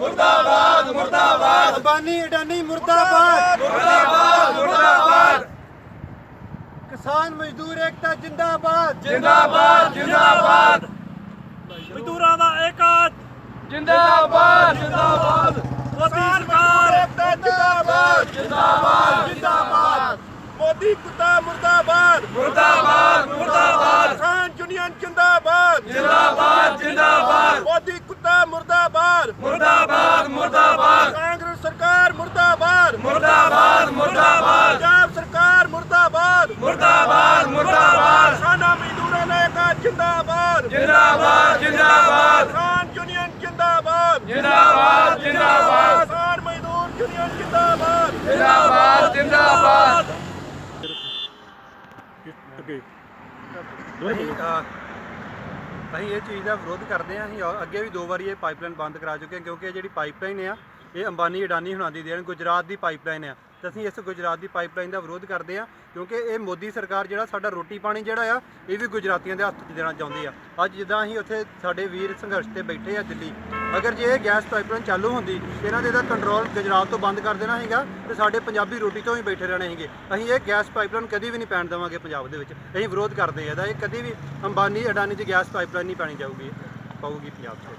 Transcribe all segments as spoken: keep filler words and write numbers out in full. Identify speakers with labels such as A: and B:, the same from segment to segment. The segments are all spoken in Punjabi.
A: मुर्दाबाद मुर्दाबाद
B: अंबानी अडानी मुर्दाबाद
A: मुर्दाबाद मुर्दाबाद
B: किसान मजदूर एकता जिंदाबाद
A: जिंदाबाद जिंदाबाद
B: मजदूरां दा एकात
A: जिंदाबाद जिंदाबाद
B: मोदी सरकार एकता जिंदाबाद
A: जिंदाबाद
B: जिंदाबाद मोदी कुत्ता मुर्दाबाद
A: मुर्दाबाद मुर्दाबाद
B: किसान यूनियन जिंदाबाद
A: जिंदाबाद जिंदाबाद
B: मोदी कुत्ता मुर्दाबाद
A: मुर्दाबाद मुर्दाबाद
B: कांग्रेस सरकार मुर्दाबाद
A: मुर्दाबाद मुर्दाबाद
B: पंजाब सरकार मुर्दाबाद
A: मुर्दाबाद मुर्दाबाद
B: किसाना मजदूरां दा एकात जिंदाबाद
A: जिंदाबाद जिंदाबाद
B: किसान यूनियन जिंदाबाद
A: जिंदाबाद जिंदाबाद
B: किसान मजदूर यूनियन जिंदाबाद
A: जिंदाबाद जिंदाबाद
B: ਅਸੀਂ ਅਸੀਂ ਇਹ ਚੀਜ਼ ਦਾ ਵਿਰੋਧ ਕਰਦੇ ਹਾਂ। ਅਸੀਂ ਅੱਗੇ ਵੀ ਦੋ ਵਾਰੀ ਇਹ ਪਾਈਪਲਾਈਨ ਬੰਦ ਕਰਾ ਚੁੱਕੇ ਹਾਂ ਕਿਉਂਕਿ ਇਹ ਜਿਹੜੀ ਪਾਈਪਲਾਈਨ ਆ ਇਹ ਅੰਬਾਨੀ ਅਡਾਨੀ ਹੁਣਾਂ ਦੀ ਦੇਣ ਗੁਜਰਾਤ ਦੀ ਪਾਈਪਲਾਈਨ ਆ ਤੇ ਅਸੀਂ ਇਸ ਗੁਜਰਾਤ ਦੀ ਪਾਈਪਲਾਈਨ ਦਾ ਵਿਰੋਧ ਕਰਦੇ ਹਾਂ ਕਿਉਂਕਿ ਇਹ ਮੋਦੀ ਸਰਕਾਰ ਜਿਹੜਾ ਸਾਡਾ ਰੋਟੀ ਪਾਣੀ ਜਿਹੜਾ ਆ ਇਹ ਵੀ ਗੁਜਰਾਤੀਆਂ ਦੇ ਹੱਥ 'ਚ ਦੇਣਾ ਚਾਹੁੰਦੀ ਆ। ਅੱਜ ਜਿੱਦਾਂ ਅਸੀਂ ਉੱਥੇ ਸਾਡੇ ਵੀਰ ਸੰਘਰਸ਼ ਤੇ ਬੈਠੇ ਆ ਦਿੱਲੀ, ਅਗਰ ਜੇ ਇਹ ਗੈਸ ਪਾਈਪਲਾਈਨ ਚਾਲੂ ਹੁੰਦੀ ਇਹਨਾਂ ਦੇ ਇਹਦਾ ਕੰਟਰੋਲ ਗੁਜਰਾਤ ਤੋਂ ਬੰਦ ਕਰ ਦੇਣਾ ਸੀਗਾ ਤੇ ਸਾਡੇ ਪੰਜਾਬੀ ਰੋਟੀ ਤੋਂ ਹੀ ਬੈਠੇ ਰਹਿਣੇ ਸੀਗੇ। ਅਸੀਂ ਇਹ ਗੈਸ ਪਾਈਪਲਾਈਨ ਕਦੀ ਵੀ ਨਹੀਂ ਪੈਣ ਦੇਵਾਂਗੇ ਪੰਜਾਬ ਦੇ ਵਿੱਚ। ਅਸੀਂ ਵਿਰੋਧ ਕਰਦੇ ਆ ਇਹਦਾ। ਇਹ ਕਦੀ ਵੀ ਅੰਬਾਨੀ ਅਡਾਨੀ ਦੀ ਗੈਸ ਪਾਈਪਲਾਈਨ ਨਹੀਂ ਪੈਣੀ ਜਾਊਗੀ ਪਾਊਗੀ ਪੰਜਾਬ 'ਚ।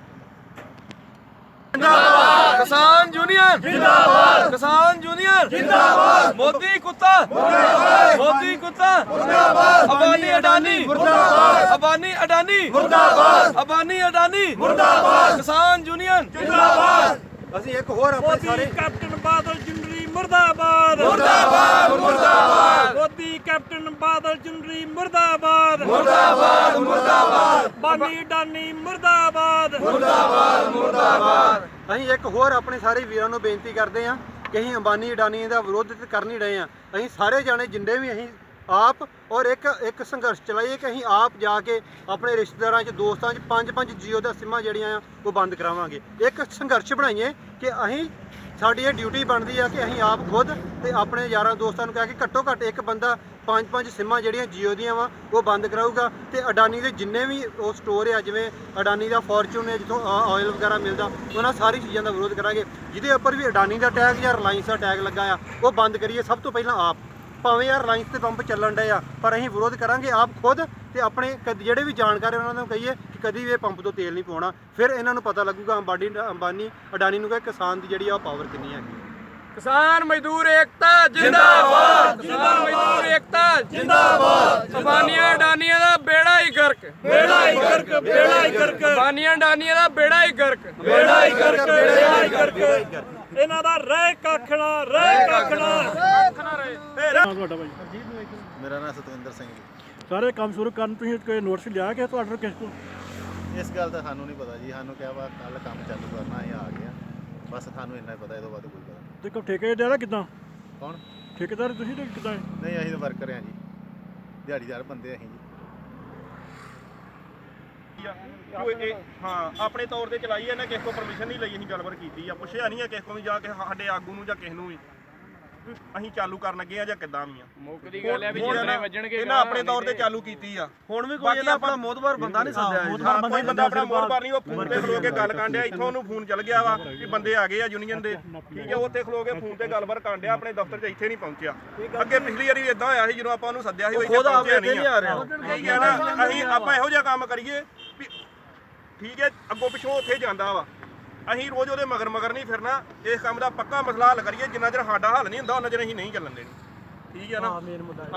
A: किसान यूनियन जिंदाबाद किसान यूनियन जिंदाबाद मोदी कुत्ता मुर्दाबाद मोदी कुत्ता मुर्दाबाद अंबानी अडानी मुर्दाबाद अंबानी अडानी मुर्दाबाद अंबानी अडानी मुर्दाबाद किसान यूनियन जिंदाबाद
B: ਅਸੀਂ ਇੱਕ ਹੋਰ ਆਪਣੇ ਸਾਰੇ
C: ਕੈਪਟਨ ਬਾਦਲ ਜਿੰਦਰੀ ਮੁਰਦਾਬਾਦ
A: मुर्दाबाद मुर्दाबाद
C: ਮੋਦੀ ਕੈਪਟਨ ਬਾਦਲ ਜਿੰਦਰੀ ਮੁਰਦਾਬਾਦ
A: मुर्दाबाद मुर्दाबाद
C: ਬਾਨੀ ਡਾਨੀ ਮੁਰਦਾਬਾਦ
A: मुर्दाबाद मुर्दाबाद
B: ਅਸੀਂ ਇੱਕ ਹੋਰ ਆਪਣੇ ਸਾਰੇ ਵੀਰਾਂ ਨੂੰ ਬੇਨਤੀ ਕਰਦੇ ਹਾਂ ਕਿ ਅਸੀਂ ਅੰਬਾਨੀ ਅਡਾਨੀ ਦਾ ਵਿਰੋਧ ਤੇ ਕਰ ਨਹੀਂ ਰਹੇ ਹਾਂ। ਅਸੀਂ ਸਾਰੇ ਜਾਣੇ ਜਿੰਨੇ ਵੀ ਅਸੀਂ ਆਪ ਔਰ ਇੱਕ ਇੱਕ ਸੰਘਰਸ਼ ਚਲਾਈਏ ਕਿ ਅਸੀਂ ਆਪ ਜਾ ਕੇ ਆਪਣੇ ਰਿਸ਼ਤੇਦਾਰਾਂ 'ਚ ਦੋਸਤਾਂ 'ਚ ਪੰਜ ਪੰਜ ਜੀਓ ਦਾ ਸਿੰਮਾਂ ਜਿਹੜੀਆਂ ਆ ਉਹ ਬੰਦ ਕਰਾਵਾਂਗੇ। ਇੱਕ ਸੰਘਰਸ਼ ਬਣਾਈਏ ਕਿ ਅਸੀਂ ਸਾਡੀ ਇਹ ਡਿਊਟੀ ਬਣਦੀ ਆ ਕਿ ਅਸੀਂ ਆਪ ਖੁਦ ਤੇ ਆਪਣੇ ਯਾਰਾਂ ਦੋਸਤਾਂ ਨੂੰ ਕਹਿ ਕੇ ਘੱਟੋ ਘੱਟ ਇੱਕ ਬੰਦਾ ਪੰਜ ਪੰਜ ਸਿੰਮਾਂ ਜਿਹੜੀਆਂ ਜੀਓ ਦੀਆਂ ਵਾ ਉਹ ਬੰਦ ਕਰਾਊਗਾ ਤੇ ਅਡਾਨੀ ਦੇ ਜਿੰਨੇ ਵੀ ਉਹ ਸਟੋਰ ਆ ਜਿਵੇਂ ਅਡਾਨੀ ਦਾ ਫੋਰਚੂਨ ਹੈ ਜਿੱਥੋਂ ਆਇਲ ਵਗੈਰਾ ਮਿਲਦਾ ਉਹਨਾਂ ਸਾਰੀ ਚੀਜ਼ਾਂ ਦਾ ਵਿਰੋਧ ਕਰਾਂਗੇ। ਜਿਹਦੇ ਉੱਪਰ ਵੀ ਅਡਾਨੀ ਦਾ ਟੈਗ ਜਾਂ ਰਿਲਾਇੰਸ ਦਾ ਟੈਗ ਲੱਗਾ ਆ ਉਹ ਬੰਦ ਕਰੀਏ ਸਭ ਤੋਂ ਪਹਿਲਾਂ ਆਪ। ਭਾਵੇਂ ਯਾਰ ਰਿਲਾਇੰਸ ਤੇ ਪੰਪ ਚੱਲਣ ਡਏ ਆ ਪਰ ਅਸੀਂ ਵਿਰੋਧ ਕਰਾਂਗੇ ਆਪ ਖੁਦ ਤੇ ਆਪਣੇ ਜਿਹੜੇ ਵੀ ਜਾਣਕਾਰ ਉਹਨਾਂ ਨੂੰ ਕਹੀਏ ਕਿ ਕਦੀ ਵੀ ਇਹ ਪੰਪ ਤੋਂ ਤੇਲ ਨਹੀਂ ਪਾਉਣਾ। ਫਿਰ ਇਹਨਾਂ ਨੂੰ ਪਤਾ ਲੱਗੂਗਾ ਅੰਬਾਨੀ ਅੰਬਾਨੀ ਅਡਾਨੀ ਨੂੰ ਕਿ ਕਿਸਾਨ ਦੀ ਜਿਹੜੀ ਆ ਪਾਵਰ ਕਿੰਨੀ ਹੈਗੀ।
A: किसान मजदूर एकता जिंदाबाद किसान मजदूर एकता जिंदाबाद अंबानिया अडानिया दा बेड़ा ही गर्क
C: ਬੇੜਾ ਹੀ ਗਰਕ ਬੇੜਾ ਹੀ ਗਰਕ
A: अंबानिया अडानिया दा बेड़ा ही गर्क
C: ਬੇੜਾ ਹੀ ਗਰਕ ਬੇੜਾ ਹੀ ਗਰਕ ਇਹਨਾਂ ਦਾ ਰਹਿ ਕੱਖਣਾ ਰਹਿ ਕੱਖਣਾ
D: ਤੁਹਾਡਾ ਭਾਈ
E: ਮੇਰਾ ਨਾਮ ਸਤਵਿੰਦਰ ਸਿੰਘ ਜੀ।
D: ਸਾਰੇ ਕੰਮ ਸ਼ੁਰੂ ਕਰਨ ਤੁਸੀਂ ਕੋਈ ਨੋਟਿਸ ਲਿਆ ਕਿ ਤੁਹਾਡੇ ਕਿਸ ਕੋਲ?
E: ਇਸ ਗੱਲ ਦਾ ਸਾਨੂੰ ਨਹੀਂ ਪਤਾ ਜੀ। ਸਾਨੂੰ ਕਿਹਾ ਵਾ ਕੱਲ ਕੰਮ ਚਾਲੂ ਕਰਨਾ ਇਹ ਆ ਗਿਆ ਬਸ। ਸਾਨੂੰ ਇੰਨਾ ਹੀ ਪਤਾ, ਇਹ ਤੋਂ ਵੱਧ ਕੋਈ ਪਤਾ ਨਹੀਂ।
D: ਤੇ ਕੋ ਠੇਕੇ ਦੇਣਾ ਕਿਦਾਂ?
E: ਕੌਣ?
D: ਠੇਕੇਦਾਰ ਤੁਸੀਂ ਤੇ ਕਿਦਾਂ?
E: ਨਹੀਂ ਅਸੀਂ ਤਾਂ ਵਰਕਰ ਹਾਂ ਜੀ, ਦਿਹਾੜੀਦਾਰ ਬੰਦੇ ਅਸੀਂ ਜੀ।
F: ਹਾਂ ਆਪਣੇ ਤੌਰ ਤੇ ਚਲਾਈ ਇਹਨੇ ਕਿਸੇ ਕੋਲ ਪਰਮਿਸ਼ਨ ਨਹੀਂ ਲਈ। ਅਸੀਂ ਗੱਲਬਾਤ ਕੀਤੀ ਆ, ਪੁੱਛਿਆ ਨਹੀਂ ਆ ਕਿਸੇ ਕੋਲ ਵੀ ਜਾ ਕੇ ਸਾਡੇ ਆਗੂ ਨੂੰ ਜਾਂ ਕਿਸੇ ਨੂੰ ਵੀ ਅਸੀਂ ਚਾਲੂ ਕਰਨ ਲੱਗੇ ਆ ਜਾਂ ਕਿੱਦਾਂ ਵੀ ਆ।
A: ਮੁੱਕਦੀ ਗੱਲ ਹੈ ਵੀ ਜਿੰਨੇ ਵੱਜਣਗੇ
F: ਇਹਨਾਂ ਆਪਣੇ ਤੌਰ ਤੇ ਚਾਲੂ ਕੀਤੀ ਆ।
B: ਹੁਣ ਵੀ ਕੋਈ ਇਹਦਾ ਆਪਣਾ ਮੋਦਵਾਰ ਬੰਦਾ ਨਹੀਂ ਸੱਦਿਆ
F: ਹਾਂ ਕੋਈ ਬੰਦਾ ਆਪਣਾ ਮੋਹਰਬਾਰ ਨਹੀਂ, ਉਹ ਫੋਨ ਤੇ ਖਲੋ ਕੇ ਗੱਲ ਕਰਨ ਡਿਆ। ਇੱਥੋਂ ਉਹਨੂੰ ਫੋਨ ਚੱਲ ਗਿਆ ਵਾ ਕਿ ਬੰਦੇ ਆ ਗਏ ਆ ਯੂਨੀਅਨ ਦੇ, ਠੀਕ ਹੈ। ਉੱਥੇ ਖਲੋ ਕੇ ਫੋਨ ਤੇ ਗੱਲਬਾਤ ਕਰਨ ਡਿਆ, ਆਪਣੇ ਦਫ਼ਤਰ 'ਚ ਇੱਥੇ ਨਹੀਂ ਪਹੁੰਚਿਆ। ਅੱਗੇ ਪਿਛਲੀ ਵਾਰੀ ਵੀ ਇਦਾਂ ਹੋਇਆ ਸੀ ਜਦੋਂ ਆਪਾਂ ਉਹਨੂੰ ਸੱਦਿਆ ਸੀ ਉਹ ਇੱਥੇ ਪਹੁੰਚਿਆ ਨਹੀਂ ਆ ਰਿਹਾ, ਠੀਕ ਹੈ ਨਾ। ਅਸੀਂ ਆਪਾਂ ਇਹੋ ਜਿਹਾ ਕੰਮ ਕਰੀਏ ਵੀ ਠੀਕ ਹੈ, ਅੱਗੋਂ ਪਿੱਛੋਂ ਉੱਥੇ ਜਾਂਦਾ ਵਾ। ਅਸੀਂ ਰੋਜ਼ ਉਹਦੇ ਮਗਰ ਮਗਰ ਨਹੀਂ ਫਿਰਨਾ। ਇਸ ਕੰਮ ਦਾ ਪੱਕਾ ਮਸਲਾ ਹੱਲ ਕਰੀਏ। ਜਿੰਨਾ ਚਿਰ ਸਾਡਾ ਹੱਲ ਨਹੀਂ ਹੁੰਦਾ ਉਹਨਾਂ ਚਿਰ ਅਸੀਂ ਨਹੀਂ ਚੱਲਣ ਦੇਣੀ, ਠੀਕ ਹੈ ਨਾ।